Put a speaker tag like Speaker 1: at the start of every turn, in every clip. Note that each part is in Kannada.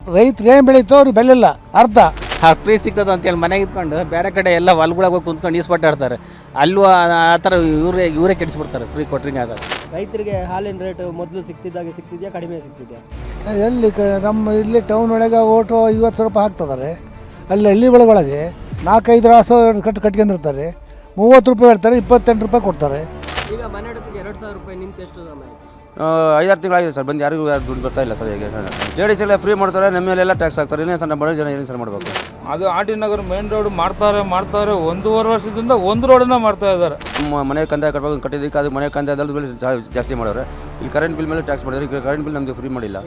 Speaker 1: ರೈತರು ಏನು ಬೆಳೀತೋ ಅವ್ರಿಗೆ ಬೆಳೆಲ್ಲ ಅರ್ಧ
Speaker 2: ಫ್ರೀ ಸಿಗ್ತದೆ ಅಂತೇಳಿ ಮನೆಗೆ ಇದ್ಕೊಂಡು ಬೇರೆ ಕಡೆ ಎಲ್ಲ ಹೊಲ್ಗೊಳಗೆ ಹೋಗಿ ಕುಂತ್ಕೊಂಡು ಈಸ್ಪಟ್ಟಾಡ್ತಾರೆ. ಅಲ್ಲೂ ಆ ಥರ ಇವರೇ ಕೆಡಿಸ್ಬಿಡ್ತಾರೆ ಫ್ರೀ ಕೊಟ್ರಿಂಗ್ ಆಗೋದು.
Speaker 3: ರೈತರಿಗೆ ಹಾಲಿನ ರೇಟ್ ಮೊದಲು ಸಿಗ್ತಿದ್ದಾಗೆ ಸಿಗ್ತಿದೆಯಾ, ಕಡಿಮೆ ಸಿಗ್ತಿದೆಯಾ?
Speaker 1: ಎಲ್ಲಿ ನಮ್ಮ ಇಲ್ಲಿ ಟೌನ್ ಒಳಗೆ ಓಟು 50 ರೂಪಾಯಿ ಹಾಕ್ತಿದ್ದಾರೆ. ಅಲ್ಲಿ ಹಳ್ಳಿ ಒಳಗೆ 4-5 ರಾಸು ಕಟ್ಕೊಂಡಿರ್ತಾರೆ. 30 ರೂಪಾಯಿ ಹೇಳ್ತಾರೆ, 28 ರೂಪಾಯಿ ಕೊಡ್ತಾರೆ.
Speaker 3: ಈಗ ಮನೆ ಅಡತಿಗೆ 2,000 ರೂಪಾಯಿ ನಿಂತು ಎಷ್ಟು ಸಮಯ?
Speaker 4: 5-6 ತಿಂಗಳಾಗಿದೆ ಸರ್, ಬಂದು ಯಾರಿಗೂ ದುಡ್ಡು ಬರ್ತಾ ಇಲ್ಲ ಸರ್. ಈಗ ಲೇಡೀಸ್ ಎಲ್ಲ ಫ್ರೀ ಮಾಡ್ತಾರೆ, ನಮ್ಮ ಮೇಲೆಲ್ಲ ಟ್ಯಾಕ್ಸ್ ಹಾಕ್ತಾರೆ. ಇನ್ನೇನು ಸರ್, ನಮ್ಮ ಬಡ ಜನ ಏನು ಸರ್ ಮಾಡಬೇಕು?
Speaker 5: ಅದು ಆರ್.ಟಿ. ನಗರ ಮೇನ್ ರೋಡ್ ಮಾಡ್ತಾರೆ 1.5 ವರ್ಷದಿಂದ ಒಂದು ರೋಡನ್ನ ಮಾಡ್ತಾ ಇದ್ದಾರೆ.
Speaker 4: ನಮ್ಮ ಮನೆ ಕಂದಾಯ ಕಟ್ಟಬೇಕು, ಕಟ್ಟಿದ್ದಕ್ಕೆ ಅದು ಮನೆ ಕಂದಾಯದಲ್ಲಿ ಬಿಲ್ ಜಾಸ್ತಿ ಮಾಡೋರೆ. ಇಲ್ಲಿ ಕರೆಂಟ್ ಬಿಲ್ ಮೇಲೆ ಟ್ಯಾಕ್ಸ್ ಮಾಡಿದ್ರೆ, ಈಗ ಕರೆಂಟ್ ಬಿಲ್ ನಮಗೆ ಫ್ರೀ ಮಾಡಿಲ್ಲ.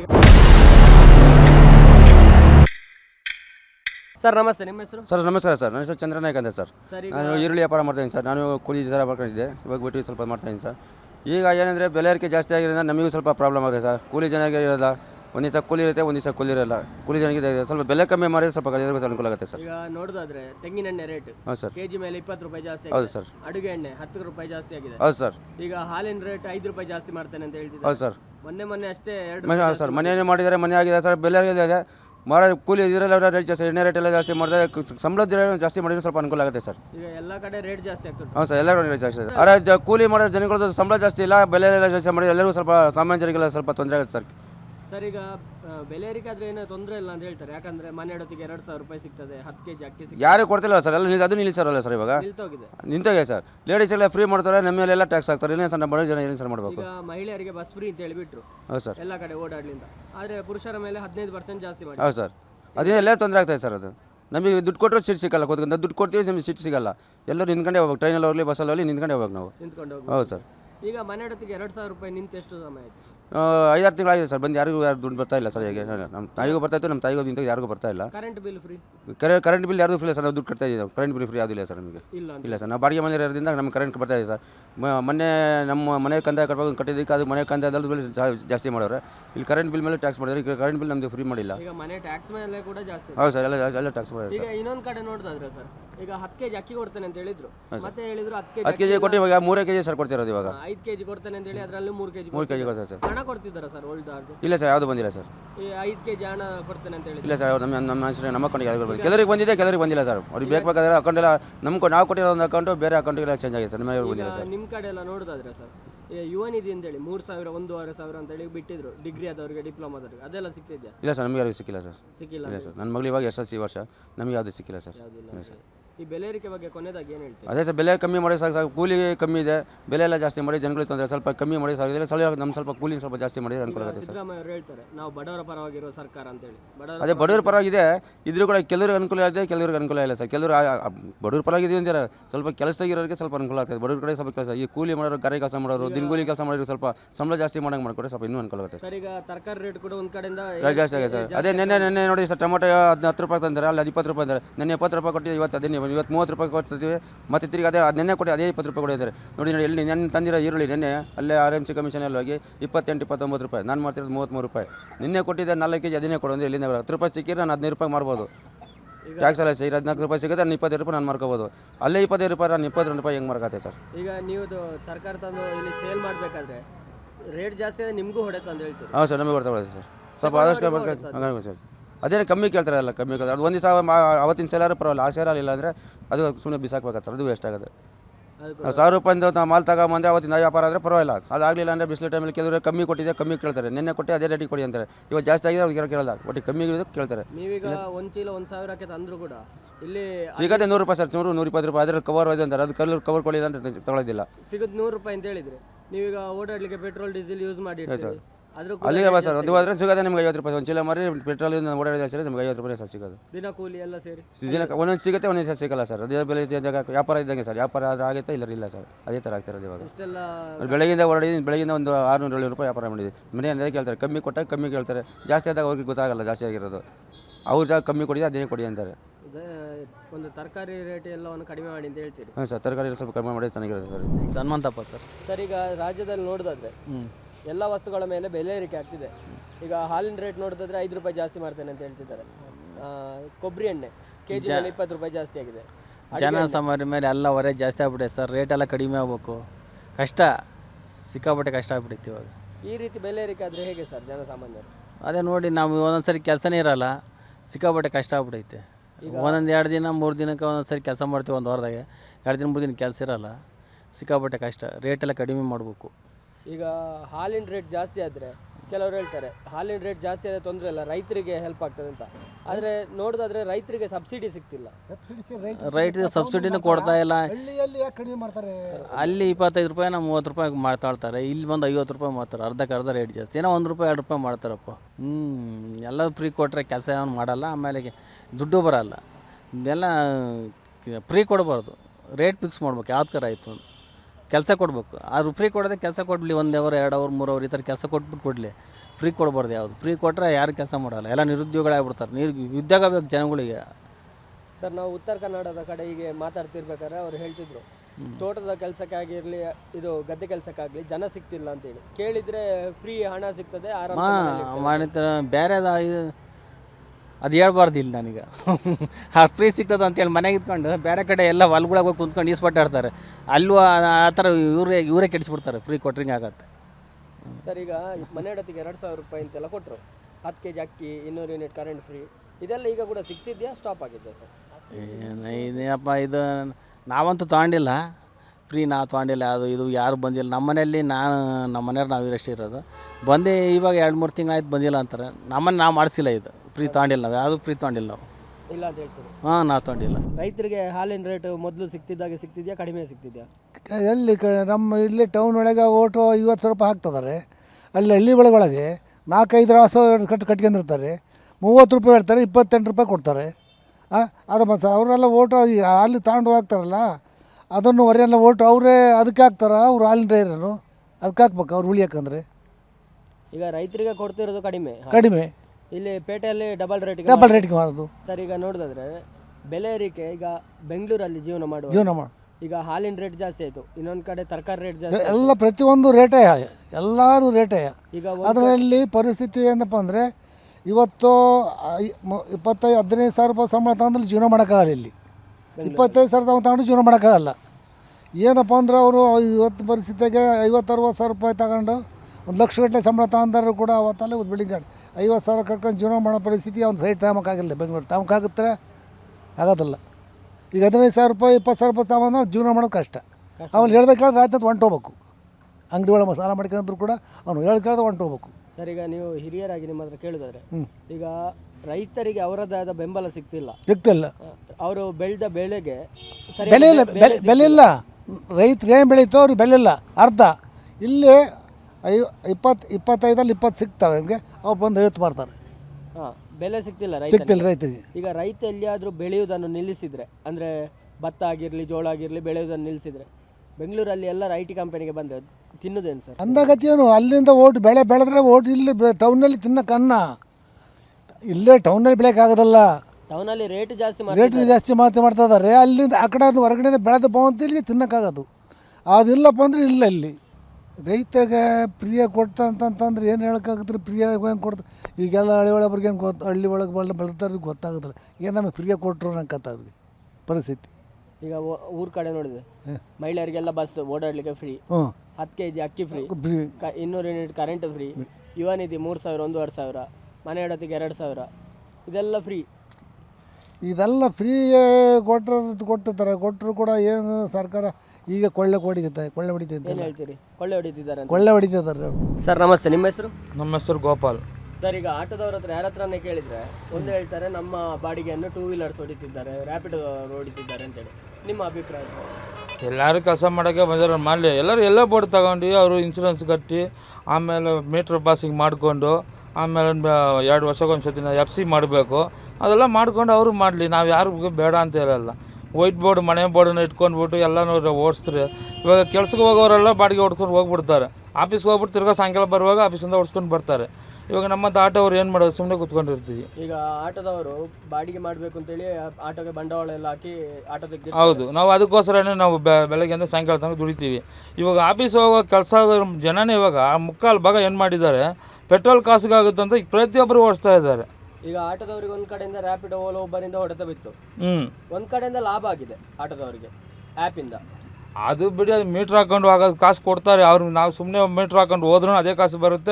Speaker 3: ಸರ್ ನಮಸ್ತೆ, ನಿಮ್ಮ ಹೆಸರು?
Speaker 4: ಸರ್ ನಮಸ್ಕಾರ ಸರ್, ನನ್ನ ಹೆಸರು ಚಂದ್ರನಾಯ್ಕ ಅಂತ ಸರ್. ನಾನು ಈರುಳ್ಳಿ ವ್ಯಾಪಾರ ಮಾಡ್ತಾಯಿದ್ದೀನಿ ಸರ್. ನಾನು ಕೂಲಿ ಥರ ಮಾಡ್ಕೊಂಡಿದ್ದೆ, ಇವಾಗ ಬಿಟ್ಟು ಸ್ವಲ್ಪ ಮಾಡ್ತಾಯಿದ್ದೀನಿ ಸರ್. ಈಗ ಏನಂದರೆ ಬೆಲೆ ಏರಿಕೆ ಜಾಸ್ತಿ ಆಗಿರೋದ್ರಿಂದ ನಮಗೂ ಸ್ವಲ್ಪ ಪ್ರಾಬ್ಲಮ್ ಆಗಿದೆ ಸರ್. ಕೂಲಿ ಜನರಿಗೆ ಇರೋಲ್ಲ, ಒಂದು ದಿವಸ ಕೂಲಿ ಇರುತ್ತೆ, ಒಂದು ದಿವಸ ಕೂಲಿ ಇರೋಲ್ಲ. ಕೂಲಿ ಜನರಿಗೆ ಸ್ವಲ್ಪ ಬೆಲೆ ಕಮ್ಮಿ ಮಾಡಿದ್ರೆ ಸ್ವಲ್ಪ ಅನುಕೂಲ ಆಗುತ್ತೆ ಸರ್.
Speaker 3: ಈಗ ನೋಡೋದಾದ್ರೆ ತೆಂಗಿನೆಣ್ಣೆ ರೇಟ್
Speaker 4: ಹೌದು ಸರ್,
Speaker 3: ಕೆಜಿ ಮೇಲೆ 20 ರೂಪಾಯಿ ಜಾಸ್ತಿ
Speaker 4: ಹೌದು
Speaker 3: ಆಗಿದೆ.
Speaker 4: ಸರ್.
Speaker 3: ಅಡುಗೆ ಎಣ್ಣೆ 10 ರೂಪಾಯಿ ಜಾಸ್ತಿ ಆಗಿದೆ.
Speaker 4: ಹೌದು ಸರ್.
Speaker 3: ಈಗ ಹಾಲಿನ ರೇಟ್ 5 ರೂಪಾಯಿ ಜಾಸ್ತಿ ಮಾಡ್ತೇನೆ ಅಂತ ಹೇಳ್ತಿದ್ದಾರೆ.
Speaker 4: ಹೌದು ಸರ್.
Speaker 3: ಮೊನ್ನೆ ಅಷ್ಟೇ
Speaker 4: ಹೌದು ಸರ್, ಮನೆಯೇ ಮಾಡಿದ್ದಾರೆ, ಮನೆ ಆಗಿದೆ ಸರ್. ಬೆಲೆ ಇದೆ, ಮಾಡೋ ಕೂಲಿ ಇದರೆಲ್ಲ ರೇಟ್ ಜಾಸ್ತಿ, ಎಣ್ಣೆ ರೇಟ್ ಎಲ್ಲ ಜಾಸ್ತಿ ಮಾಡಿದ್ರೆ ಸಂಬಳದ ಜಾಸ್ತಿ ಮಾಡಿದ್ರೆ ಸ್ವಲ್ಪ ಅನುಕೂಲ ಆಗುತ್ತೆ ಸರ್.
Speaker 3: ಈಗ ಎಲ್ಲ ಕಡೆ ರೇಟ್ ಜಾಸ್ತಿ ಆಗ್ತದೆ.
Speaker 4: ಹೌದು ಸರ್, ಎಲ್ಲ ರೇಟ್ ಜಾಸ್ತಿ ಇದೆ. ಆದರೆ ಕೂಲಿ ಮಾಡೋ ಜನಗಳದ್ದು ಸಂಬಳ ಜಾಸ್ತಿ ಇಲ್ಲ, ಬೆಲೆ ಎಲ್ಲ ಜಾಸ್ತಿ ಮಾಡಿ ಎಲ್ಲರಿಗೂ ಸ್ವಲ್ಪ ಸಾಮಾನ್ಯರಿಗೆಲ್ಲ ಸ್ವಲ್ಪ ತೊಂದರೆ ಆಗುತ್ತೆ ಸರ್.
Speaker 3: ಸರ್ ಈಗ ಬೆಲೆ ಏರಿಕೆ ಆದ್ರೆ ಏನೋ ತೊಂದರೆ ಇಲ್ಲ ಅಂತ ಹೇಳ್ತಾರೆ. ಯಾಕಂದ್ರೆ ಮನೆ ಅಡತಿಗೆ 2,000 ರೂಪಾಯಿ ಸಿಗ್ತದೆ, 10 ಕೆಜಿ ಅಕ್ಕಿ ಸಿಗ್ತದೆ.
Speaker 4: ಯಾರು ಕೊಡ್ತಿಲ್ಲ ಸರ್, ಎಲ್ಲ ಅದು ನಿಲ್ಲಿಸಾರಲ್ಲ ಸರ್. ಇವಾಗ
Speaker 3: ನಿಲ್ತೋಗಿದೆ.
Speaker 4: ನಿಂತೋಗಿದೆ ಸರ್. ಲೇಡೀಸ್ ಎಲ್ಲ ಫ್ರೀ ಮಾಡ್ತಾರೆ, ನಮ್ಮ ಮೇಲೆಲ್ಲ ಟ್ಯಾಕ್ಸ್ ಹಾಕ್ತಾರೆ. ಇನ್ನೇನು ಸರ್, ನಮ್ಮ ಬಡ ಜನ ಏನು ಸರ್ ಮಾಡಬೇಕು?
Speaker 3: ಈಗ ಮಹಿಳೆಯರಿಗೆ ಬಸ್ ಫ್ರೀ ಅಂತ ಹೇಳಿ ಬಿಟ್ರು.
Speaker 4: ಹೌದು ಸರ್.
Speaker 3: ಎಲ್ಲ ಕಡೆ ಓಡಾಡ್ಲಿಂದ. ಆದ್ರೆ ಪುರುಷರ ಮೇಲೆ 15% ಜಾಸ್ತಿ ಮಾಡಿ.
Speaker 4: ಹೌದು ಸರ್, ಅದೇನೆಲ್ಲ ತೊಂದರೆ ಆಗ್ತಾಯಿದೆ ಸರ್. ಅದು ನಮಗೆ ದುಡ್ಡು ಕೊಟ್ಟರು ಸೀಟ್ ಸಿಗಲ್ಲ, ಕೂತ್ಕೊಂಡು ದುಡ್ಡು ಕೊಡ್ತೀವಿ, ನಮಗೆ ಸೀಟ್ ಸಿಗಲ್ಲ. ಎಲ್ಲರೂ ನಿಂತ್ಕೊಂಡೇ ಹೋಗ್ಬೇಕು, ಟ್ರೈನಲ್ಲಿ ಹೋಗಲಿ ಬಸ್ಸಲ್ಲಿ ಹೋಗಲಿ ನಿಂತ್ಕೊಂಡೇ ಹೋಗ್ಬೇಕು ನಾವು.
Speaker 3: ನಿಂತ್ಕೊಂಡು ಹೋಗಿ.
Speaker 4: ಹೌದು ಸರ್.
Speaker 3: ಈಗ ಮನೆ ಅಡತಿಗೆ 2,000 ರೂಪಾಯಿ ನಿಂತು ಎಷ್ಟು ಸಮಯ ಆಯ್ತು?
Speaker 4: 5-6 ತಿಂಗಳಾಗಿದೆ ಸರ್, ಬಂದು ಯಾರಿಗೂ ದುಡ್ಡು ಬರ್ತಾ ಇಲ್ಲ ಸರ್. ಈಗ ನಮ್ಮ ತಾಯಿಗೂ ಬರ್ತಾಯಿತ್ತು, ನಮ್ಮ ತಾಯಿಗೂ ನಿಂತು ಯಾರಿಗೂ ಬರ್ತಾ ಇಲ್ಲ.
Speaker 3: Current bill free?
Speaker 4: Current bill ಯಾರಿಗೂ ಫ್ರೀ ಸರ್, ನಾವು ದುಡ್ಡು ಕಟ್ತಾ ಇದ್ದೀವಿ. ಕರೆಂಟ್ ಬಿಲ್ ಫ್ರೀ ಯಾವುದಿಲ್ಲ ಸರ್ ನಮಗೆ. ಇಲ್ಲ ಸರ್, ನಾವು ಬಾಡಿಗೆ ಮನೆ ಇರೋದ್ರಿಂದ ನಮ್ಗೆ ಕರೆಂಟ್ ಬರ್ತಾ ಇದೆ ಸರ್. ಮೊನ್ನೆ ನಮ್ಮ ಮನೆ ಕಂದಾಯ ಕಟ್ಟಬೇಕು, ಕಟ್ಟಿದ್ದಕ್ಕೆ ಅದು ಮನೆ ಕಂದಾಯದಲ್ಲಿ ಬಿಲ್ ಜಾಸ್ತಿ ಮಾಡೋರೆ. ಇಲ್ಲಿ ಕರೆಂಟ್ ಬಿಲ್ ಮೇಲೆ ಟ್ಯಾಕ್ಸ್ ಮಾಡಿದ್ರೆ, ಈಗ ಕರೆಂಟ್ ಬಿಲ್ ನಮಗೆ ಫ್ರೀ ಮಾಡಿಲ್ಲ.
Speaker 3: ಈಗ ಮನೆ ಟ್ಯಾಕ್ಸ್ ಮೇಲೆ ಕೂಡ ಜಾಸ್ತಿ.
Speaker 4: ಹೌದು ಸರ್, ಎಲ್ಲ ಟ್ಯಾಕ್ಸ್ ಮಾಡಿದ್ರೆ.
Speaker 3: ಈಗ ಇನ್ನೊಂದು ಕಡೆ ನೋಡಿದ್ರೆ ಸರ್, ಈಗ 10 ಕೆಜಿ ಅಕ್ಕಿ ಕೊಡ್ತೇನೆ ಅಂತ ಹೇಳಿದ್ರು. ಮತ್ತೆ ಹೇಳಿದ್ರು
Speaker 4: 10 ಕೆಜಿ ಕೊಟ್ಟು ಇವಾಗ 3 ಕೆಜಿ ಸರ್ ಕೊಡ್ತಿರೋದು. ಇವಾಗ
Speaker 3: 5 ಕೆಜಿ ಕೊಡ್ತೇನೆ ಅಂತ ಹೇಳಿ ಅದರಲ್ಲಿ 3 ಕೆಜಿ
Speaker 4: ಕೊಡ್ತಾರೆ ಸರ್.
Speaker 3: ಹಣ ಕೊಡ್ತಿದ್ದಾರೆ ಸರ್ ಓಲ್ಡ್ ಆರ್ದು?
Speaker 4: ಇಲ್ಲ ಸರ್, ಯಾವುದು ಬಂದಿಲ್ಲ ಸರ್.
Speaker 3: ಈ 5 ಕೆಜಿ ಹಣ ಕೊಡ್ತೇನೆ ಅಂತ ಹೇಳಿ.
Speaker 4: ಇಲ್ಲ ಸರ್, ನಮ್ಮ ಹೆಸರು ನಮ್ಮ ಅಕೌಂಟಿಗೆ ಯಾರು ಬಂದಿಲ್ಲ. ಕೆಲವರಿಗೆ ಬಂದಿದೆ, ಕೆಲವರಿಗೆ ಬಂದಿಲ್ಲ ಸರ್. ಅವ್ರಿಗೆ ಬೇಕಾದ್ರೆ ಅಕೌಂಟ್ ಎಲ್ಲ ನಾವು ಕೊಟ್ಟಿರೋ ಒಂದು ಅಕೌಂಟು ಬೇರೆ ಅಕೌಂಟಿಗೆಲ್ಲ ಚೇಂಜ್ ಆಗಿದೆ ಸರ್. ನಿಮಗೆ ಬಂದಿಲ್ಲ ಸರ್.
Speaker 3: ನಿಮ್ಮ ಕಡೆ ಎಲ್ಲ ನೋಡೋದಾದ್ರೆ ಸರ್, ಯುವ ನಿಧಿ ಅಂತೇಳಿ 3,000 1,500 ಅಂತ ಹೇಳಿ ಬಿಟ್ಟಿದ್ರು ಡಿಗ್ರಿ ಆದವರಿಗೆ, ಡಿಪ್ಲೊಮಾದವರಿಗೆ. ಅದೆಲ್ಲ ಸಿಗ್ತಿದ್ಯಾ?
Speaker 4: ಇಲ್ಲ ಸರ್, ನಮಗೆ ಯಾರಿಗೂ ಸಿಕ್ಕಿಲ್ಲ ಸರ್.
Speaker 3: ಸಿಕ್ಕಿಲ್ಲ?
Speaker 4: ಇಲ್ಲ ಸರ್, ನನ್ನ ಮಗಳು ಇವಾಗ SSC ವರ್ಷ, ನಮಗೆ ಯಾವುದು ಸಿಕ್ಕಿಲ್ಲ ಸರ್. ಇಲ್ಲ ಸರ್.
Speaker 3: ಈ ಬೆಲೆ ಏರಿಕೆ ಬಗ್ಗೆ ಕೊನೆದಾಗಿ ಏನು ಹೇಳ್ತೀವಿ?
Speaker 4: ಅದೇ ಸರ್, ಬೆಲೆ ಕಮ್ಮಿ ಮಾಡಿ ಸಾಕು. ಕೂಲಿ ಕಮ್ಮಿ ಇದೆ, ಬೆಲೆ ಎಲ್ಲ ಜಾಸ್ತಿ ಮಾಡಿ ಜನಗಳಿಗೆ ತೊಂದರೆ, ಸ್ವಲ್ಪ ಕಮ್ಮಿ ಮಾಡಿ ಸಾಕಿದ್ರೆ ಸ್ವಲ್ಪ ಕೂಲಿ ಸ್ವಲ್ಪ ಜಾಸ್ತಿ ಮಾಡಿದ್ರೆ ಅನುಕೂಲ ಆಗುತ್ತೆ ಸರ್.
Speaker 3: ಸಿದ್ದರಾಮಯ್ಯ ಅವರು ಹೇಳ್ತಾರೆ ನಾವು ಬಡವರ ಪರವಾಗಿರೋ ಸರ್ಕಾರ ಅಂತೇಳಿ.
Speaker 4: ಅದೇ ಬಡವರ ಪರವಾಗಿದೆ, ಇದ್ರೂ ಕೂಡ ಕೆಲವ್ರಿಗೆ ಅನುಕೂಲ ಇದೆ, ಕೆಲವ್ರಿಗೆ ಅನುಕೂಲ ಇಲ್ಲ ಸರ್. ಕೆಲವರು ಬಡವ್ರ ಪರವಾಗಿದ್ದೀವಿ ಅಂತಾರೆ, ಸ್ವಲ್ಪ ಕೆಲಸದಾಗಿರೋರಿಗೆ ಸ್ವಲ್ಪ ಅನುಕೂಲ ಆಗ್ತದೆ. ಬಡವ್ರ ಕಡೆ ಸ್ವಲ್ಪ ಕೆಲಸ, ಈ ಕೂಲಿ ಮಾಡೋರು, ಗಾರೆ ಕೆಲಸ ಮಾಡೋರು, ದಿನಗೂಲಿ ಕೆಲಸ ಮಾಡೋರು ಸ್ವಲ್ಪ ಸಂಬಳ ಜಾಸ್ತಿ ಮಾಡಂಗೆ ಮಾಡಿಕೊಟ್ರೆ ಸ್ವಲ್ಪ ಇನ್ನೂ ಅನುಕೂಲ ಆಗುತ್ತೆ
Speaker 3: ಸರ್. ಈಗ ತರಕಾರಿ ರೇಟ್ ಕೂಡ ಒಂದು ಕಡೆಯಿಂದ
Speaker 4: ಜಾಸ್ತಿ ಆಗಿದೆ ಸರ್. ಅದೇ ನೆನ್ನೆ ನೋಡಿ ಸರ್, ಟೊಮೊಟೊ 10 ರೂಪಾಯಿ ತಂದರೆ, ಅಲ್ಲಿ 20 ರೂಪಾಯಿ ಅಂತಾರೆ. ನೆನ್ನೆ 20 ರೂಪಾಯಿ ಕೊಟ್ಟು ಇವತ್ತು 30 ರೂಪಾಯಿ ಕೊಡ್ತೀವಿ. ಮತ್ತೆ ತಿರುಗಿ ಅದೇ ನೆನ್ನೆ ಕೊಟ್ಟು ಅದೇ 20 ರೂಪಾಯಿ ಕೊಟ್ಟಿದ್ದಾರೆ. ನೋಡಿ ಎಲ್ಲಿ ನೆನ್ನೆ ತಂದಿರೋ ಈರುಳ್ಳಿ ನೆನ್ನೆ ಅಲ್ಲೇ RMC ಕಮಿಷನಲ್ಲಿ ಹೋಗಿ 28-29 ರೂಪಾಯಿ, ನಾನು ಮಾಡ್ತಿರೋದು 33 ರೂಪಾಯಿ. ನಿನ್ನೆ ಕೊಟ್ಟಿದ್ದೆ 4 ಕೆಜಿ, ಅದನ್ನೇ ಕೊಡೋದು. ಎಲ್ಲಿಂದ 10 ರೂಪಾಯಿ ಸಿಕ್ಕಿದ್ರೆ ನಾನು 15 ರೂಪಾಯಿ ಮಾಡ್ಬೋದು. ಟ್ಯಾಕ್ಸ್ ಎಲ್ಲ ಸೇರಿ 14 ರೂಪಾಯಿ ಸಿಗುತ್ತೆ, ನಾನು 25 ರೂಪಾಯಿ ನಾನು ಮಾರ್ಕೋಬೋದು. ಅಲ್ಲೇ 25 ರೂಪಾಯಿ, ನಾನು 22 ರೂಪಾಯಿ ಹೆಂಗೆ ಮಾರ್ಕತ್ತೆ ಸರ್?
Speaker 3: ಈಗ ನೀವು ತರಕಾರಿ ತಂದು ಇಲ್ಲಿ ಸೇಲ್ ಮಾಡಬೇಕಾದ್ರೆ ರೇಟ್ ಜಾಸ್ತಿ ಆದರೆ ನಿಮಗೂ ಹೊಡೆತ ಅಂತ ಹೇಳ್ತೀವಿ.
Speaker 4: ಹಾಂ ಸರ್, ನಮಗೆ ಹೊಡ್ತಾ ಸರ್. ಸ್ವಲ್ಪ ಆದಷ್ಟು ಹಂಗಾಗಿ ಸರ್, ಅದೇನು ಕಮ್ಮಿ ಕೇಳ್ತಾರೆ, ಎಲ್ಲ ಕಮ್ಮಿ ಕೇಳ್ತಾರೆ. ಅದು ಒಂದು ದಿವಸ ಅವತ್ತಿನ ಸೇಲಾರು ಪರವಾಗಿಲ್ಲ, ಆ ಸೇಲ್ ಇಲ್ಲ ಅಂದರೆ ಅದು ಸುಮ್ಮನೆ ಬಿಸಾಕ್ಬೇಕಾಗ್ತದೆ ಸರ್. ಅದು ವೇಸ್ಟ್ ಆಗುತ್ತೆ. ನಾವು 1000 ರೂಪಾಯಿಂದ ನಾವು ಮಾಲ್ ತಗೊಂಬಂದರೆ ಅವತ್ತಿನ ವ್ಯಾಪಾರ ಆದರೆ ಪರವಾಗಿಲ್ಲ. ಅದಾಗಲಿಲ್ಲ ಅಂದರೆ ಬಿಸಿಲು ಟೈಮಲ್ಲಿ ಕೆಲವರು ಕಮ್ಮಿ ಕೊಟ್ಟಿದೆ, ಕಮ್ಮಿ ಕೇಳ್ತಾರೆ. ನಿನ್ನೆ ಕೊಟ್ಟು ಅದೇ ರೇಟಿಗೆ ಕೊಡಿ ಅಂತಾರೆ. ಇವಾಗ ಜಾಸ್ತಿ ಆಗಿದೆ, ಅವ್ರಿಗೆ ಕೇಳಲ್ಲ, ಒಟ್ಟು ಕಮ್ಮಿ ಕೇಳ್ತಾರೆ.
Speaker 3: ನೀವೀಗ ಒಂದು ಚೀಲ 1,000ಕ್ಕೆ ತಂದರೂ ಕೂಡ ಇಲ್ಲಿ
Speaker 4: ಸಿಗುತ್ತೆ 100 ರೂಪಾಯಿ ಸರ್, 100-120 ರೂಪಾಯಿ. ಅದ್ರಲ್ಲಿ ಕವರ್ ಇದೆ ಅಂತಾರೆ, ಅದು ಕವರ್ ಕೊಡಿ ಅಂತ ತಗೊಳ್ಳೋದಿಲ್ಲ.
Speaker 3: ಸಿಗುತ್ತೆ 100 ರೂಪಾಯಿ ಅಂತ ಹೇಳಿದರೆ, ನೀವೀಗ ಓಡಾಡಲಿಕ್ಕೆ ಪೆಟ್ರೋಲ್ ಡೀಸೆಲ್ ಯೂಸ್ ಮಾಡಿ
Speaker 4: ಅಲ್ಲಿಗೆ ಬಸ್ ಸರ್. ಅದು ಆದರೆ ಸಿಗೋದೇ ನಿಮ್ಗೆ 50 ರೂಪಾಯಿ. ಒಂದು ಚೀಲ ಮಾರಿ ಪೆಟ್ರೋಲ್ ಓಡಾಡಿದ ಸರಿ ನಿಮ್ಗೆ 50 ರೂಪಾಯಿ ಸರ್ ಸಿಗೋದು.
Speaker 3: ದಿನ ಕೂಲಿ ಎಲ್ಲ ಸೇರಿ
Speaker 4: ಒಂದೊಂದು ಸಿಗುತ್ತೆ, ಒಂದೊಂದು ಸರ್ ಸಿಗಲ್ಲ ಸರ್. ಅದೇ ಬೆಲೆ ವ್ಯಾಪಾರ ಇದ್ದಂಗೆ ಸರ್. ವ್ಯಾಪಾರ ಆದ್ರೆ ಆಗುತ್ತೆ, ಇಲ್ಲ ಸರ್. ಅದೇ ಥರ ಆಗ್ತಿರೋದು ಇವಾಗ. ಬೆಳಗಿಂದ ಓಡಾಡಿದ್ದೀನಿ, ಬೆಳಗಿಂದ ಒಂದು 600-700 ರೂಪಾಯಿ ವ್ಯಾಪಾರ ಮಾಡಿದ್ವಿ. ಮನೆ ಅದೇ ಕೇಳ್ತಾರೆ, ಕಮ್ಮಿ ಕೊಟ್ಟಾಗ ಕಮ್ಮಿ ಕೇಳ್ತಾರೆ. ಜಾಸ್ತಿ ಆದಾಗ ಅವ್ರಿಗೆ ಗೊತ್ತಾಗಲ್ಲ ಜಾಸ್ತಿ ಆಗಿರೋದು. ಅವ್ರು ಜಾಗ ಕಮ್ಮಿ ಕೊಡಿ, ಅದೇನೇ ಕೊಡಿ ಅಂತಾರೆ.
Speaker 3: ಒಂದು ತರಕಾರಿ ರೇಟ್ ಎಲ್ಲವನ್ನು ಕಡಿಮೆ ಮಾಡಿ ಅಂತ ಹೇಳ್ತೀರಿ?
Speaker 4: ಹಾಂ ಸರ್, ತರಕಾರಿ ಸ್ವಲ್ಪ ಕಡಿಮೆ ಮಾಡಿ ಚೆನ್ನಾಗಿರುತ್ತೆ ಸರ್.
Speaker 2: ಹನುಮಂತಪ್ಪ ಸರ್.
Speaker 3: ಸರ್, ಈಗ ರಾಜ್ಯದಲ್ಲಿ ನೋಡೋದಾದ್ರೆ ಎಲ್ಲ ವಸ್ತುಗಳ ಮೇಲೆ ಬೆಲೆ ಏರಿಕೆ ಆಗ್ತಿದೆ. ಈಗ ಹಾಲಿನ ರೇಟ್ ನೋಡೋದಾದ್ರೆ 5 ರೂಪಾಯಿ ಜಾಸ್ತಿ ಮಾಡ್ತೇನೆ ಅಂತ ಹೇಳ್ತಿದ್ದಾರೆ. ಕೊಬ್ಬರಿ ಎಣ್ಣೆ ಕೆಜಿ 20 ರೂಪಾಯಿ ಜಾಸ್ತಿ ಆಗಿದೆ.
Speaker 2: ಜನಸಾಮಾನ್ಯರ ಮೇಲೆ ಎಲ್ಲ ಹೊರೆ ಜಾಸ್ತಿ ಆಗ್ಬಿಟ್ಟೆ ಸರ್. ರೇಟ್ ಎಲ್ಲ ಕಡಿಮೆ ಆಗ್ಬೇಕು, ಕಷ್ಟ, ಸಿಕ್ಕಾಪಟ್ಟೆ ಕಷ್ಟ ಆಗ್ಬಿಟ್ಟಿತ್ತು ಇವಾಗ.
Speaker 3: ಈ ರೀತಿ ಬೆಲೆ ಏರಿಕೆ ಆದರೆ ಹೇಗೆ ಸರ್ ಜನಸಾಮಾನ್ಯರು?
Speaker 2: ಅದೇ ನೋಡಿ ನಾವು ಒಂದೊಂದು ಸರಿ ಕೆಲಸನೇ ಇರಲ್ಲ, ಸಿಕ್ಕಾಪಟ್ಟೆ ಕಷ್ಟ ಆಗ್ಬಿಟ್ಟೈತೆ. ಒಂದೊಂದು 2 ದಿನ 3 ದಿನಕ್ಕೆ ಒಂದೊಂದು ಸರಿ ಕೆಲಸ ಮಾಡ್ತೀವಿ, ಒಂದು ವಾರದಾಗೆ 2 ದಿನ 3 ದಿನ ಕೆಲಸ ಇರಲ್ಲ, ಸಿಕ್ಕಾಪಟ್ಟೆ ಕಷ್ಟ. ರೇಟೆಲ್ಲ ಕಡಿಮೆ ಮಾಡಬೇಕು.
Speaker 3: ಈಗ ಹಾಲಿನ ರೇಟ್ ಜಾಸ್ತಿ ಆದರೆ ಕೆಲವರು ಹೇಳ್ತಾರೆ ಹಾಲಿನ ರೇಟ್ ಜಾಸ್ತಿ ಆದರೆ ತೊಂದರೆ ಇಲ್ಲ, ರೈತರಿಗೆ ಹೆಲ್ಪ್ ಆಗ್ತದೆ ಅಂತ. ಆದರೆ ನೋಡೋದಾದ್ರೆ ರೈತರಿಗೆ ಸಬ್ಸಿಡಿ ಸಿಗ್ತಿಲ್ಲ.
Speaker 2: ರೈತರಿಗೆ ಸಬ್ಸಿಡಿನೂ ಕೊಡ್ತಾ ಇಲ್ಲ.
Speaker 1: ಹಳ್ಳಿಯಲ್ಲಿ ಯಾಕೆ ಕಡಿಮೆ ಮಾಡ್ತಾರೆ?
Speaker 2: ಅಲ್ಲಿ 25 ರೂಪಾಯಿನ 30 ರೂಪಾಯಿ ಮಾತಾಡ್ತಾರೆ, ಇಲ್ಲಿ ಬಂದು 50 ರೂಪಾಯಿ ಮಾಡ್ತಾರೆ, ಅರ್ಧಕ್ಕೆ ಅರ್ಧ ರೇಟ್ ಜಾಸ್ತಿ. ಏನೋ 1 ರೂಪಾಯಿ 2 ರೂಪಾಯಿ ಮಾಡ್ತಾರಪ್ಪ. ಎಲ್ಲ ಫ್ರೀ ಕೊಟ್ಟರೆ ಕೆಲಸ ಏನು ಮಾಡಲ್ಲ, ಆಮೇಲೆ ದುಡ್ಡು ಬರಲ್ಲ. ಇದೆಲ್ಲ ಫ್ರೀ ಕೊಡಬಾರ್ದು, ರೇಟ್ ಫಿಕ್ಸ್ ಮಾಡ್ಬೇಕು. ಯಾವ್ದು ಆಯಿತು ಕೆಲಸ ಕೊಡಬೇಕು. ಅದು ಫ್ರೀ ಕೊಡೋದೇ ಕೆಲಸ ಕೊಡಲಿ, 1 ಅವರ್ 2 ಅವರ್ 3 ಅವರ್ ಈ ಥರ ಕೆಲಸ ಕೊಟ್ಬಿಟ್ಟು ಕೊಡಲಿ. ಫ್ರೀ ಕೊಡಬಾರ್ದು ಯಾವುದು. ಫ್ರೀ ಕೊಟ್ಟರೆ ಯಾರು ಕೆಲಸ ಮಾಡಲ್ಲ, ಎಲ್ಲ ನಿರುದ್ಯೋಗಿಗಳಾಗ್ಬಿಡ್ತಾರೆ. ಉದ್ಯೋಗ ಬೇಕು ಜನಗಳಿಗೆ.
Speaker 3: ಸರ್, ನಾವು ಉತ್ತರ ಕನ್ನಡದ ಕಡೆ ಹೀಗೆ ಮಾತಾಡ್ತಿರ್ಬೇಕಾದ್ರೆ ಅವ್ರು ಹೇಳ್ತಿದ್ರು ತೋಟದ ಕೆಲಸಕ್ಕೆ ಆಗಿರಲಿ, ಇದು ಗದ್ದೆ ಕೆಲಸಕ್ಕಾಗಲಿ ಜನ ಸಿಗ್ತಿಲ್ಲ ಅಂತೇಳಿ. ಕೇಳಿದರೆ ಫ್ರೀ ಹಣ ಸಿಗ್ತದೆ,
Speaker 2: ಮಾಡಿದ್ರೆ ಬೇರೆ ಅದು ಹೇಳ್ಬಾರ್ದು ಇಲ್ಲಿ ನನಗೆ. ಆ ಫ್ರೀ ಸಿಗ್ತದೆ ಅಂತೇಳಿ ಮನೆಗೆ ಇದ್ಕೊಂಡು ಬೇರೆ ಕಡೆ ಎಲ್ಲ ಹೊಲ್ಗೊಳಗೆ ಹೋಗಿ ಕುಂತ್ಕೊಂಡು ಈಸ್ಪಟ್ಟಾಡ್ತಾರೆ. ಅಲ್ಲೂ ಆ ಥರ ಇವರೇ ಕೆಡಿಸ್ಬಿಡ್ತಾರೆ. ಫ್ರೀ ಕೊಟ್ರಿಂಗ್ ಆಗತ್ತೆ.
Speaker 3: ಸರ್, ಈಗ ಮನೆ ಹೊತ್ತಿಗೆ 2,000 ರೂಪಾಯಿ ಅಂತೆಲ್ಲ ಕೊಟ್ಟರು, 10 kg ಅಕ್ಕಿ, 200 ಯೂನಿಟ್ ಕರೆಂಟ್ ಫ್ರೀ, ಇದೆಲ್ಲ ಈಗ ಕೂಡ ಸಿಗ್ತಿದೆಯಾ, ಸ್ಟಾಪ್ ಆಗಿದೆಯಾ ಸರ್?
Speaker 2: ಏನಪ್ಪ ಇದು, ನಾವಂತೂ ತೊಗೊಂಡಿಲ್ಲ ಫ್ರೀ, ನಾವು ತೊಗೊಂಡಿಲ್ಲ. ಇದು ಯಾರು ಬಂದಿಲ್ಲ ನಮ್ಮ ಮನೆಯಲ್ಲಿ. ನಮ್ಮ ಮನೆಯವ್ರು ನಾವು ಇರಷ್ಟೇ ಇರೋದು. ಬಂದು ಇವಾಗ 2-3 ತಿಂಗಳಾಯ್ತು ಬಂದಿಲ್ಲ ಅಂತಾರೆ. ನಾವು ಮಾಡಿಸಿಲ್ಲ, ಇದು ಫ್ರೀ ತೊಗೊಂಡಿಲ್ಲ. ನಾವು ಯಾವುದು ಫ್ರೀ ತೊಗೊಂಡಿಲ್ಲ ನಾವು.
Speaker 3: ಇಲ್ಲ ಅಂತ ಹೇಳ್ತೀವಿ.
Speaker 2: ನಾವು ತೊಗೊಂಡಿಲ್ಲ.
Speaker 3: ರೈತರಿಗೆ ಹಾಲಿನ ರೇಟ್ ಮೊದಲು ಸಿಗ್ತಿದ್ದಾಗೆ ಸಿಗ್ತಿದೆಯಾ, ಕಡಿಮೆ ಸಿಗ್ತಿದೆಯಾ?
Speaker 1: ಎಲ್ಲಿ ನಮ್ಮ ಇಲ್ಲಿ ಟೌನ್ ಒಳಗೆ ಓಟು 50 ರೂಪಾಯಿ ಹಾಕ್ತಿದ್ದಾರೆ. ಅಲ್ಲಿ ಹಳ್ಳಿ ಒಳಗೆ 4-5 ರಾಸು ಕಟ್ಕೊಂಡಿರ್ತಾರೆ. 30 ರೂಪಾಯಿ ಹೇಳ್ತಾರೆ, 28 ರೂಪಾಯಿ ಕೊಡ್ತಾರೆ. ಅದು ಮತ್ತು ಅವರೆಲ್ಲ ಓಟು ಅಲ್ಲಿ ತಗೊಂಡು ಹೋಗ್ತಾರಲ್ಲ, ಅದನ್ನು ಹೊರೆಲ್ಲ ಓಟು ಅವರೇ ಅದಕ್ಕೆ ಹಾಕ್ತಾರೆ. ಅವ್ರು ಹಾಲಿನ ಡೈರನು ಅದಕ್ಕೆ ಹಾಕ್ಬೇಕು, ಅವ್ರು ಉಳಿಯೋಕ್ಕಂದ್ರೆ.
Speaker 3: ಈಗ ರೈತರಿಗೆ ಕೊಡ್ತಿರೋದು ಕಡಿಮೆ, ಇಲ್ಲಿ ಪೇಟೆಯಲ್ಲಿ ಡಬಲ್ ರೇಟ್ಗೆ
Speaker 1: ಮಾಡೋದು.
Speaker 3: ಸರ್, ಈಗ ನೋಡಿದ್ರೆ ಬೆಲೆ ಏರಿಕೆ, ಈಗ ಬೆಂಗಳೂರಲ್ಲಿ ಜೀವನ ಮಾಡು ಈಗ ಹಾಲಿನ ರೇಟ್ ಜಾಸ್ತಿ ಆಯಿತು, ಇನ್ನೊಂದು ಕಡೆ ತರಕಾರಿ ರೇಟ್ ಜಾಸ್ತಿ,
Speaker 1: ಎಲ್ಲ ಪ್ರತಿಯೊಂದು ರೇಟೇ, ಎಲ್ಲರೂ ರೇಟೇ.
Speaker 3: ಈಗ
Speaker 1: ಅದರಲ್ಲಿ ಪರಿಸ್ಥಿತಿ ಏನಪ್ಪ ಅಂದರೆ, ಇವತ್ತು 15,000 ರೂಪಾಯಿ ಸಂಬಳ ತಗೊಂಡ್ರೆ ಜೀವನ ಮಾಡೋಕ್ಕಾಗಲ್ಲ. ಇಲ್ಲಿ 25,000 ತಗೊಂಡು ಜೀವನ ಮಾಡೋಕ್ಕಾಗಲ್ಲ. ಏನಪ್ಪ ಅಂದ್ರೆ ಅವರು ಇವತ್ತು ಪರಿಸ್ಥಿತಿಗೆ 50-60 ರೂಪಾಯಿ ತಗೊಂಡು 1 ಲಕ್ಷ ಗಟ್ಟಲೆ ಸಂಬಳ ತಗೊಂಡ್ರು ಕೂಡ ಅವತ್ತಲ್ಲೇ ಒಂದು ಬಿಲ್ಡಿಂಗ್ 50,000 ಕಟ್ಕೊಂಡು ಜೀವನ ಮಾಡೋ ಪರಿಸ್ಥಿತಿ ಒಂದು ಸೈಡ್ ತಗೊಂಬಕ್ಕಾಗಿಲ್ಲ. ಬೆಂಗಳೂರು ತಗೊಂಬಕ್ಕಾಗುತ್ತೆ, ಆಗೋದಿಲ್ಲ. ಈಗ 15,000 ರೂಪಾಯಿ 20,000 ರೂಪಾಯಿ ತಗೊಂಡ್ರೆ ಜೀವನ ಮಾಡೋದು ಕಷ್ಟ. ಅವ್ನು ಹೇಳ್ದೆ ಕೇಳಿದ್ರೆ ರಾತ್ರಿ ಹೊಂಟೋಗ್ಬೇಕು. ಅಂಗಡಿ ಒಳಗೆ ಸಾಲ ಮಾಡ್ಕೊಂಡ್ರು ಕೂಡ ಅವ್ನು ಕೇಳಿದ್ರೆ ಹೊಂಟೋಗ್ಬೇಕು.
Speaker 3: ಸರ್, ಈಗ ನೀವು ಹಿರಿಯರಾಗಿ ನಿಮ್ಮ ಹತ್ರ ಕೇಳಿದ್ರೆ, ಈಗ ರೈತರಿಗೆ ಅವರದೇ ಆದ ಬೆಂಬಲ ಸಿಗ್ತಿಲ್ಲ. ಅವರು ಬೆಳೆದ ಬೆಳೆಗೆ
Speaker 1: ಬೆಲೆ ಇಲ್ಲ. ರೈತರು ಏನು ಬೆಳೀತೋ ಅವ್ರಿಗೆ ಬೆಲೆ ಇಲ್ಲ. ಅರ್ಧ ಇಲ್ಲಿ 25 20 ಸಿಗ್ತವೆ, ಹಂಗೆ ಅವ್ರು ಬಂದು 50 ಮಾಡ್ತಾರೆ.
Speaker 3: ಬೆಲೆ ಸಿಗ್ತಿಲ್ಲ
Speaker 1: ರೈತರಿಗೆ.
Speaker 3: ಈಗ ರೈತ ಎಲ್ಲಿಯಾದರೂ ಬೆಳೆಯುವುದನ್ನು ನಿಲ್ಲಿಸಿದರೆ, ಅಂದರೆ ಭತ್ತ ಆಗಿರಲಿ ಜೋಳ ಆಗಿರಲಿ ಬೆಳೆಯುವುದನ್ನು ನಿಲ್ಲಿಸಿದರೆ, ಬೆಂಗಳೂರಲ್ಲಿ ಎಲ್ಲರೂ IT ಕಂಪನಿಗೆ ಬಂದ ತಿನ್ನೋದೇನು ಸರ್?
Speaker 1: ಅಂದಾಗತಿಯೇನು, ಅಲ್ಲಿಂದ ಬೆಳೆ ಬೆಳೆದ್ರೆ ಇಲ್ಲಿ ಟೌನಲ್ಲಿ ತಿನ್ನೋಕ್ಕನ್ನ, ಇಲ್ಲೇ ಟೌನಲ್ಲಿ ಬೆಳೆಯೋಕ್ಕಾಗೋದಲ್ಲ.
Speaker 3: ಟೌನಲ್ಲಿ ರೇಟ್ ಜಾಸ್ತಿ
Speaker 1: ಮಾಡ್ತಾ ಇದ್ದಾರೆ. ಅಲ್ಲಿಂದ ಆ ಕಡೆ ಹೊರಗಡೆ ಬೆಳೆದು ಬಂತು ಇಲ್ಲಿಗೆ ತಿನ್ನೋಕ್ಕಾಗೋದು. ಅದಿಲ್ಲಪ್ಪ ಅಂದರೆ ಇಲ್ಲ. ಇಲ್ಲಿ ರೈತರಿಗೆ ಪ್ರಿಯ ಕೊಡ್ತಾರಂತಂದ್ರೆ ಏನು ಹೇಳೋಕ್ಕಾಗುತ್ತೆ? ಪ್ರಿಯ ಹೆಂಗೆ ಕೊಡ್ತಾರೆ? ಈಗೆಲ್ಲ ಹಳ್ಳಿ ಏನು ಹಳ್ಳಿ ಒಳಗೆ ಬೆಳೆದವ್ರಿಗೆ ಗೊತ್ತಾಗೋದಿಲ್ಲ. ಏನು ನಮಗೆ ಪ್ರಿಯ ಕೊಟ್ಟರು ಅನ್ನಕತ್ತ ಅವ್ರಿಗೆ ಪರಿಸ್ಥಿತಿ.
Speaker 3: ಈಗ ಊರ ಕಡೆ ನೋಡಿದೆ, ಮಹಿಳೆಯರಿಗೆಲ್ಲ ಬಸ್ ಓಡಾಡಲಿಕ್ಕೆ ಫ್ರೀ, 10 kg ಅಕ್ಕಿ free, 200 unit current free, Yuva Nidhi 3,000 1,500, ಮನೆ ಇಡೋತ್ತಿಗೆ 2,000, ಇದೆಲ್ಲ ಫ್ರೀ.
Speaker 1: ಇದೆಲ್ಲ ಫ್ರೀ ಕೊಟ್ಟಿರ್ತಾರೆ. ಕೊಟ್ಟರು ಕೂಡ ಏನು ಸರ್ಕಾರ ಈಗ ಕೊಳ್ಳೆ ಹೊಡಿತೈತೆ.
Speaker 3: ಏನು ಹೇಳ್ತೀರಿ? ಕೊಳ್ಳೆ
Speaker 1: ಹೊಡಿತಿದ್ದಾರೆ.
Speaker 3: ಸರ್, ನಮಸ್ತೆ. ನಿಮ್ಮ ಹೆಸರು?
Speaker 5: ನಮ್ಮ ಹೆಸರು ಗೋಪಾಲ್.
Speaker 3: ಸರ್, ಈಗ ಆಟೋದವ್ರ ಹತ್ರ ಯಾರ ಹತ್ರನೇ ಕೇಳಿದರೆ ಒಂದು ಹೇಳ್ತಾರೆ, ನಮ್ಮ ಬಾಡಿಗೆಯನ್ನು 2 ವೀಲರ್ಸ್ ಹೊಡಿತಿದ್ದಾರೆ, ರ್ಯಾಪಿಡ್ ಹೊಡಿತಿದ್ದಾರೆ ಅಂತೇಳಿ. ನಿಮ್ಮ ಅಭಿಪ್ರಾಯ ಸರ್?
Speaker 5: ಎಲ್ಲರೂ ಕೆಲಸ ಮಾಡೋಕ್ಕೆ ಬಂದಿರೋ ಮಾಡಲಿ. ಎಲ್ಲ ಬೋರ್ಡ್ ತಗೊಂಡು ಅವರು ಇನ್ಶೂರೆನ್ಸ್ ಕಟ್ಟಿ, ಆಮೇಲೆ ಮೀಟ್ರ್ ಪಾಸಿಂಗ್ ಮಾಡಿಕೊಂಡು, ಆಮೇಲೆ 2 ವರ್ಷಕ್ಕೊಂದು ಸತಿ FC ಮಾಡಬೇಕು. ಅದೆಲ್ಲ ಮಾಡ್ಕೊಂಡು ಅವರು ಮಾಡಲಿ. ನಾವು ಯಾರಿಗೂ ಬೇಡ ಅಂತ ಹೇಳಲ್ಲ. ವೈಟ್ ಬೋರ್ಡ್ ಮನೆ ಬೋರ್ಡನ್ನ ಇಟ್ಕೊಂಡ್ಬಿಟ್ಟು ಎಲ್ಲನೂ ಓಡಿಸ್ತಾರೆ. ಇವಾಗ ಕೆಲ್ಸಕ್ಕೆ ಹೋಗೋರೆಲ್ಲ ಬಾಡಿಗೆ ಹೊಡ್ಕೊಂಡು ಹೋಗ್ಬಿಡ್ತಾರೆ. ಆಫೀಸ್ಗೆ ಹೋಗ್ಬಿಟ್ಟು ತಿರ್ಗಾ ಸಾಯಂಕಾಲ ಬರುವಾಗ ಆಫೀಸಿಂದ ಓಡಿಸ್ಕೊಂಡು ಬರ್ತಾರೆ. ಇವಾಗ ನಮ್ಮಂತ ಆಟೋ ಅವ್ರು ಏನು ಮಾಡೋದು? ಸುಮ್ಮನೆ ಕೂತ್ಕೊಂಡಿರ್ತೀವಿ.
Speaker 3: ಈಗ ಆಟೋದವರು ಬಾಡಿಗೆ ಮಾಡಬೇಕು ಅಂತೇಳಿ ಆಟೋಗೆ ಬಂಡವಾಳ ಎಲ್ಲ ಹಾಕಿ ಆಟೋ ತೆಗೆದು,
Speaker 5: ಹೌದು, ನಾವು ಅದಕ್ಕೋಸ್ಕರನೇ ನಾವು ಬೆಳಗ್ಗೆಯಿಂದ ಸಾಯಂಕಾಲ ತನಕ ದುಡಿತೀವಿ. ಇವಾಗ ಆಫೀಸ್ ಹೋಗೋ ಕೆಲಸ ಜನನೇ ಇವಾಗ 3/4 ಭಾಗ ಏನು ಮಾಡಿದ್ದಾರೆ, ಪೆಟ್ರೋಲ್ ಕಾಸಿಗಾಗುತ್ತೆ ಅಂತ ಪ್ರತಿಯೊಬ್ಬರು ಓಡಿಸ್ತಾ ಇದ್ದಾರೆ.
Speaker 3: ಈಗ ಆಟೋದವ್ರಿಗೆ ಒಂದು ಕಡೆಯಿಂದ ರ್ಯಾಪಿಡ್ ಓಲೋ ಒಬ್ಬರಿಂದ ಹೊಡೆತ ಬಿತ್ತು, ಒಂದು ಕಡೆಯಿಂದ ಲಾಭ ಆಗಿದೆ ಆಟೋದವರಿಗೆ ಆ್ಯಪಿಂದ.
Speaker 5: ಅದು ಬಿಡಿ, ಅದು ಮೀಟ್ರ್ ಹಾಕೊಂಡು ಆಗೋದು ಕಾಸು ಕೊಡ್ತಾರೆ ಅವ್ರಿಗೆ. ನಾವು ಸುಮ್ಮನೆ ಮೀಟ್ರ್ ಹಾಕೊಂಡು ಹೋದ್ರೂ ಅದೇ ಕಾಸು ಬರುತ್ತೆ,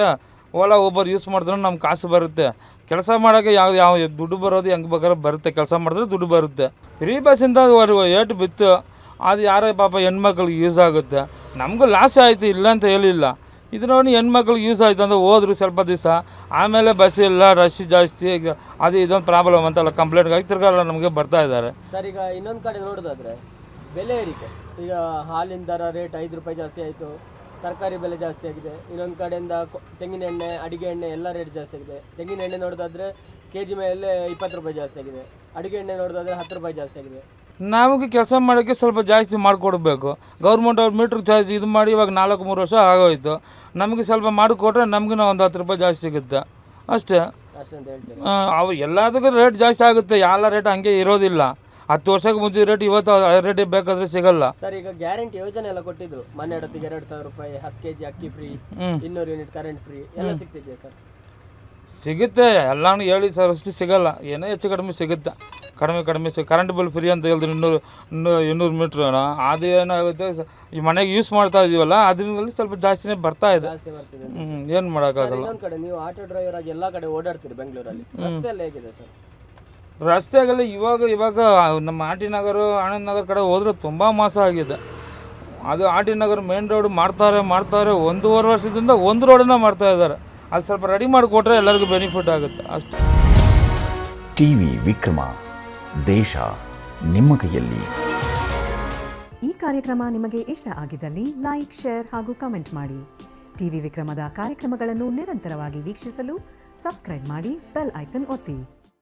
Speaker 5: ಓಲಾ ಊಬರ್ ಯೂಸ್ ಮಾಡಿದ್ರೆ ನಮ್ಗೆ ಕಾಸು ಬರುತ್ತೆ. ಕೆಲಸ ಮಾಡೋಕ್ಕೆ ಯಾವ ದುಡ್ಡು ಬರೋದು ಹೆಂಗೆ ಬೇಕಾದ್ರೆ ಬರುತ್ತೆ, ಕೆಲಸ ಮಾಡಿದ್ರೆ ದುಡ್ಡು ಬರುತ್ತೆ. ಫ್ರೀ ಬಸ್ಸಿಂದ ಏಟು ಬಿತ್ತು, ಅದು ಯಾರೋ ಪಾಪ ಹೆಣ್ಮಕ್ಳಿಗೆ ಯೂಸ್ ಆಗುತ್ತೆ. ನಮಗೂ ಲಾಸ್ ಆಯಿತು, ಇಲ್ಲ ಅಂತ ಹೇಳಿಲ್ಲ. ಇದು ನೋಡಿ ಹೆಣ್ಮಕ್ಳಿಗೆ ಯೂಸ್ ಆಯಿತು ಅಂದರೆ ಹೋದ್ರು ಸ್ವಲ್ಪ ದಿವಸ, ಆಮೇಲೆ ಬಸ್ ಇಲ್ಲ, ರಶ್ ಜಾಸ್ತಿ, ಈಗ ಅದು ಇದೊಂದು ಪ್ರಾಬ್ಲಮ್ ಅಂತೆಲ್ಲ ಕಂಪ್ಲೇಂಟ್ಗಾಗಿ ತಿರ್ಗಲ್ಲ ನಮಗೆ ಬರ್ತಾ ಇದ್ದಾರೆ.
Speaker 3: ಸರ್ ಈಗ ಇನ್ನೊಂದು ಕಡೆ ನೋಡೋದಾದ್ರೆ ಬೆಲೆ ಏರಿಕೆ, ಈಗ ಹಾಲಿನ ದರ ರೇಟ್ 5 ರೂಪಾಯಿ ಜಾಸ್ತಿ ಆಯಿತು, ತರಕಾರಿ ಬೆಲೆ ಜಾಸ್ತಿ ಆಗಿದೆ. ಇನ್ನೊಂದು ಕಡೆಯಿಂದ ತೆಂಗಿನ ಎಣ್ಣೆ, ಅಡಿಗೆ ಎಣ್ಣೆ ಎಲ್ಲ ರೇಟ್ ಜಾಸ್ತಿ ಆಗಿದೆ. ತೆಂಗಿನ ಎಣ್ಣೆ ನೋಡೋದಾದ್ರೆ kg ಮೇಲೆ 20 ರೂಪಾಯಿ ಜಾಸ್ತಿ ಆಗಿದೆ, ಅಡಿಗೆ ಎಣ್ಣೆ ನೋಡೋದಾದ್ರೆ 10 ರೂಪಾಯಿ ಜಾಸ್ತಿ ಆಗಿದೆ.
Speaker 5: ನಮಗೆ ಕೆಲಸ ಮಾಡೋಕ್ಕೆ ಸ್ವಲ್ಪ ಜಾಸ್ತಿ ಮಾಡಿಕೊಡ್ಬೇಕು. ಗೌರ್ಮೆಂಟ್ ಅವ್ರು ಮೀಟ್ರ್ ಚಾರ್ಜ್ ಇದು ಮಾಡಿ ಇವಾಗ 4-3 ವರ್ಷ ಆಗೋಯ್ತು. ನಮಗೆ ಸ್ವಲ್ಪ ಮಾಡಿಕೊಟ್ರೆ ನಮಗೂ ಒಂದು 10 ರೂಪಾಯಿ ಜಾಸ್ತಿ ಸಿಗುತ್ತೆ ಅಷ್ಟೇ.
Speaker 3: ಅಷ್ಟಂತ ಹೇಳ್ತೀನಿ.
Speaker 5: ಅವು ಎಲ್ಲದಕ್ಕೂ ರೇಟ್ ಜಾಸ್ತಿ ಆಗುತ್ತೆ, ಎಲ್ಲ ರೇಟ್ ಹಂಗೆ ಇರೋದಿಲ್ಲ. 10 ವರ್ಷಕ್ಕೆ ಮುಂಚೆ ರೇಟ್ ಇವತ್ತು ರೇಟ್ ಬೇಕಾದರೆ ಸಿಗಲ್ಲ.
Speaker 3: ಸರ್ ಈಗ ಗ್ಯಾರಂಟಿ ಯೋಜನೆ ಎಲ್ಲ ಕೊಟ್ಟಿದ್ರು, ಮನೆ ಇಡೋತ್ತಿಗೆ 2,000 ರೂಪಾಯಿ, 10 kg ಅಕ್ಕಿ ಫ್ರೀ, 200 ಯೂನಿಟ್ ಕರೆಂಟ್ ಫ್ರೀ ಎಲ್ಲ ಸಿಗ್ತಿದೆಯಾ ಸರ್?
Speaker 5: ಸಿಗುತ್ತೆ, ಎಲ್ಲನೂ ಹೇಳಿ ಸರ್ ಅಷ್ಟು ಸಿಗಲ್ಲ, ಏನೋ ಹೆಚ್ಚು ಕಡಿಮೆ ಸಿಗುತ್ತೆ. ಕಡಿಮೆ ಕರೆಂಟ್ ಬಿಲ್ ಫ್ರೀ ಅಂತ ಹೇಳಿದ್ರು 200 ಮೀಟ್ರ್. ಅದು ಏನಾಗುತ್ತೆ, ಈ ಮನೆಗೆ ಯೂಸ್ ಮಾಡ್ತಾ ಇದೀವಲ್ಲ ಅದರಲ್ಲಿ ಸ್ವಲ್ಪ ಜಾಸ್ತಿನೇ ಬರ್ತಾ ಇದೆ.
Speaker 3: ಜಾಸ್ತಿ ಬರ್ತಿದೆ.
Speaker 5: ಏನು ಮಾಡೋಕ್ಕಾಗಲ್ಲ.
Speaker 3: ಇನ್ನೊಂದು ಕಡೆ ನೀವು ಆಟೋ ಡ್ರೈವರ್ ಆಗಿ ಎಲ್ಲ ಕಡೆ ಓಡಾಡ್ತೀರಿ ಬೆಂಗಳೂರಲ್ಲಿ, ರಸ್ತೆ ಎಲ್ಲ ಹೇಗಿದೆ ಸರ್?
Speaker 5: ರಸ್ತೆಗೆಲ್ಲ ಇವಾಗ ನಮ್ಮ ಆರ್ ಟಿ ನಗರ, ಆನಂದ್ ನಗರ ಕಡೆ ಹೋದ್ರೆ ತುಂಬ ಮೋಸ ಆಗಿದೆ. ಅದು R T Nagar main road ಮಾಡ್ತಾರೆ 1.5 ವರ್ಷದಿಂದ ಒಂದು ರೋಡನ್ನ ಮಾಡ್ತಾ ಇದ್ದಾರೆ. ಅದು ಸ್ವಲ್ಪ ರೆಡಿ ಮಾಡಿಕೊಟ್ರೆ ಎಲ್ಲರಿಗೂ ಬೆನಿಫಿಟ್ ಆಗುತ್ತೆ ಅಷ್ಟೇ.
Speaker 6: ಟಿವಿ ವಿಕ್ರಮ, ದೇಶ ನಿಮ್ಮ ಕೈಯಲ್ಲಿ.
Speaker 7: ಈ ಕಾರ್ಯಕ್ರಮ ನಿಮಗೆ ಇಷ್ಟ ಆಗಿದ್ದಲ್ಲಿ ಲೈಕ್, ಶೇರ್ ಹಾಗೂ ಕಮೆಂಟ್ ಮಾಡಿ. ಟಿವಿ ವಿಕ್ರಮದ ಕಾರ್ಯಕ್ರಮಗಳನ್ನು ನಿರಂತರವಾಗಿ ವೀಕ್ಷಿಸಲು ಸಬ್ಸ್ಕ್ರೈಬ್ ಮಾಡಿ, ಬೆಲ್ ಐಕನ್ ಒತ್ತಿ.